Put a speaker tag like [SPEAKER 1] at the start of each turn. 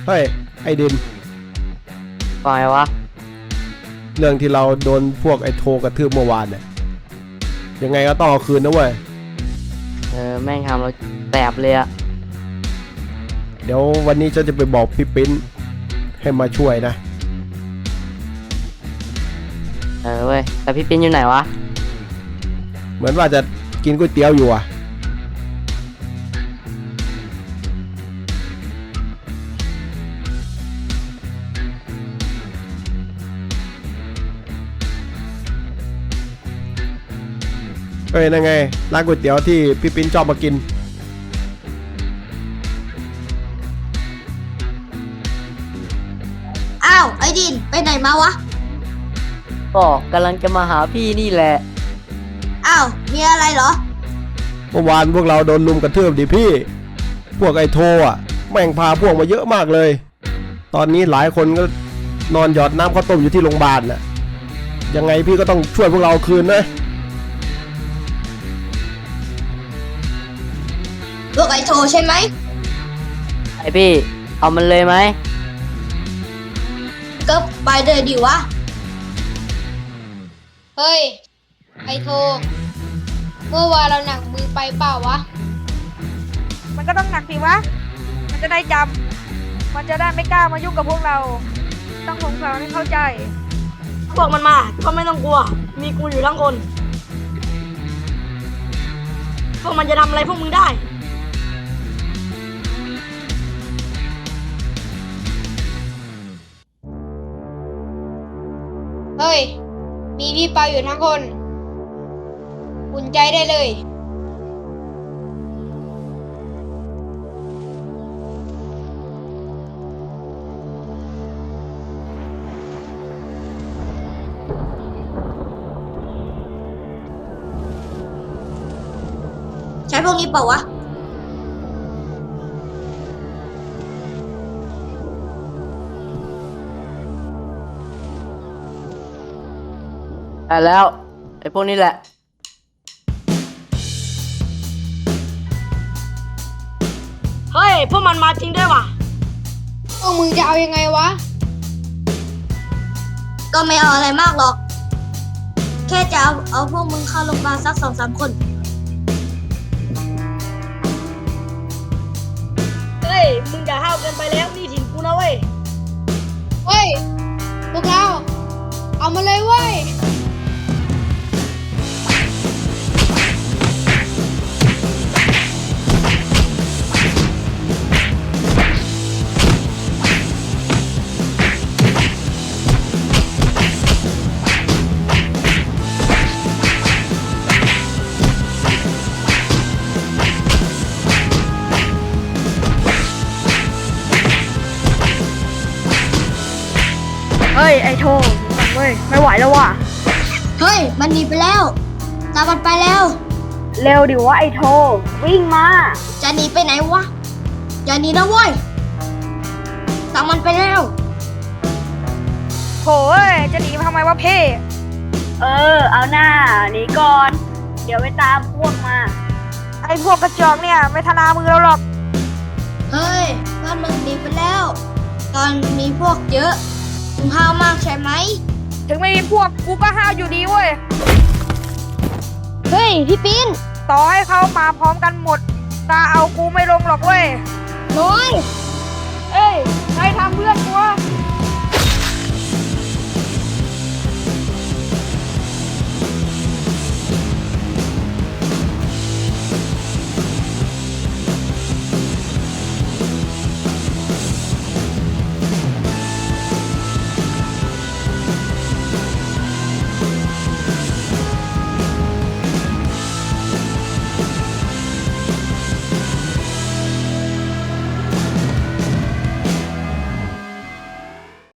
[SPEAKER 1] เฮ้ยไอดิน
[SPEAKER 2] ปล่อยวะ
[SPEAKER 1] เรื่องที่เราโดนพวกไอโทกระทืบเมื่อวานเนี่ยยังไงก็ต้องเอาคืนนะเว้ย
[SPEAKER 2] แม่งทำเราแสบเลยอะ
[SPEAKER 1] เดี๋ยววันนี้จะไปบอกพี่ปิ้นให้มาช่วยนะ
[SPEAKER 2] เว้ยแต่พี่ปิ้นอยู่ไหนวะ
[SPEAKER 1] เหมือนว่าจะกินก๋วยเตี๋ยวอยู่อ่ะเฮ้ยนั่นไงร้านก๋วยเตี๋ยวที่พี่ปิ้นชอบมากิน
[SPEAKER 3] อ้าวไอ้ดินไปไหนมาวะ
[SPEAKER 2] ก็กำลังจะมาหาพี่นี่แหละ
[SPEAKER 3] อ้าวมีอะไรเหรอ
[SPEAKER 1] เมื่อวานพวกเราโดนลุมกระทืบดิพี่พวกไอโทอ่ะแม่งพาพวกมาเยอะมากเลยตอนนี้หลายคนก็นอนหยอดน้ำข้าวต้มอยู่ที่โรงพยาบาลน่ะยังไงพี่ก็ต้องช่วยพวกเราคืนนะ
[SPEAKER 3] พวกไอ้โทใช่ไหม
[SPEAKER 2] ไอพี่เอามันเลยไหม
[SPEAKER 3] ก็ไปเลยดิวะเฮ้ยไอ้โทเมื่อวานเราหนักมือไปเปล่าวะ
[SPEAKER 4] มันก็ต้องหนักสิวะมันจะได้จำมันจะได้ไม่กล้ามายุ่งกับพวกเราต้องสงสารให้เข้าใจ
[SPEAKER 5] พวกมันมาก็ไม่ต้องกลัวมีกูอยู่ทั้งคนพวกมันจะทำอะไรพวกมึงได้
[SPEAKER 3] เฮ้ยมีพี่เปาอยู่ทั้งคนอุ่นใจได้เลยใช้พวกนี้เปล่าวะ
[SPEAKER 2] ได้แล้วไอพวกนี้แหละ
[SPEAKER 5] เฮ้ยพวกมันมาจริงด้วยว่ะ
[SPEAKER 3] พวกมึงจะเอายังไงวะก็ไม่เอาอะไรมากหรอกแค่จะเอาพวกมึงเข้าโรงพยาบาลสัก 2-3 คน
[SPEAKER 5] เฮ้ยมึงอย่าห้าวเกินไปแล้วนี่ถิ่นกูนะเว้ย
[SPEAKER 3] เฮ้ยพวกเราเอามาเลยเว้ย
[SPEAKER 4] เฮ้ยไอโทเว้ยไม่ไหวแล้วว่ะ
[SPEAKER 3] เฮ้ยมันหนีไปแล้วตามมันไปแล้ว
[SPEAKER 4] เร็วดิวะไอโทวิ่งมา
[SPEAKER 3] จะหนีไปไหนวะอย่าหนีนะเว้ยตามมันไปแล้ว
[SPEAKER 4] โถ่จะหนีทำไมวะเพ่เอาหน้าหนีก่อนเดี๋ยวไปตามพวกมาไอพวกกระจอกเนี่ยไม่ทนามือเราหรอก
[SPEAKER 3] เฮ้ยบ้านมึงหนีไปแล้วตอนมีพวกเยอะมึงห้าวมากใช่ไหม
[SPEAKER 4] ถึงไม่มีพวกกูก็ห้าวอยู่ดีเว้ย
[SPEAKER 3] เฮ้ยพี่ปิ้น
[SPEAKER 4] ต่อให้เขามาพร้อมกันหมดตาเอากูไม่ลงหรอกเว้ย
[SPEAKER 3] น้อย
[SPEAKER 4] เอ้ยใครทำเพื่อน